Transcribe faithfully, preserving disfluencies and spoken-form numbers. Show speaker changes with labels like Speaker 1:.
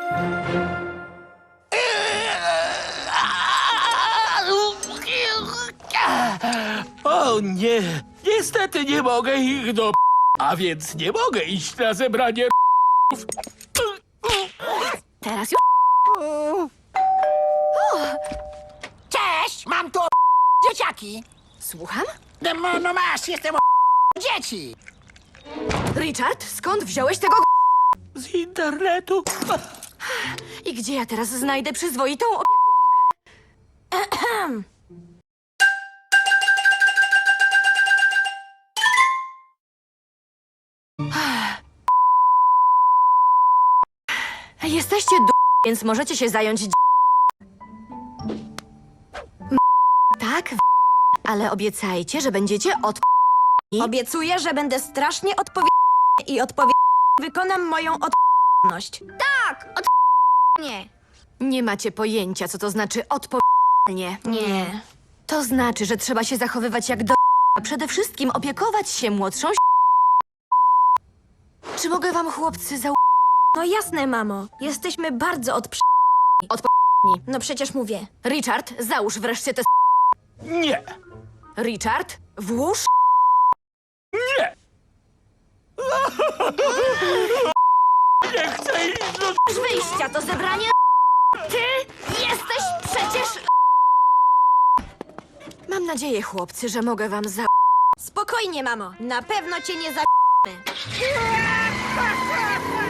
Speaker 1: O nie, niestety nie mogę ich do... A więc nie mogę iść na zebranie...
Speaker 2: Teraz już...
Speaker 3: Cześć, mam tu dzieciaki.
Speaker 2: Słucham?
Speaker 3: No, no masz, jestem dzieci.
Speaker 2: Richard, skąd wziąłeś tego g-
Speaker 1: Z internetu.
Speaker 2: I gdzie ja teraz znajdę przyzwoitą opiekunkę? Ehem. Jesteście d... więc możecie się zająć d... M- Tak, w- ale obiecajcie, że będziecie od...
Speaker 4: Obiecuję, że będę strasznie odpowiedzialny i odpowiednio wykonam moją odpowiedzialność.
Speaker 5: Nie.
Speaker 2: Nie macie pojęcia, co to znaczy odpowiedzialnie.
Speaker 4: Nie.
Speaker 2: To znaczy, że trzeba się zachowywać jak do... a przede wszystkim opiekować się młodszą Czy mogę wam, chłopcy, za...
Speaker 4: No jasne, mamo. Jesteśmy bardzo odprzy...
Speaker 2: Odpowiedni.
Speaker 4: No przecież mówię.
Speaker 2: Richard, załóż wreszcie te...
Speaker 1: Nie,
Speaker 2: Richard, włóż...
Speaker 1: nie. Nie chcę iść do...
Speaker 2: wyjścia, to zebranie... Ty jesteś przecież... Mam nadzieję, chłopcy, że mogę wam za...
Speaker 4: Spokojnie, mamo. Na pewno cię nie za...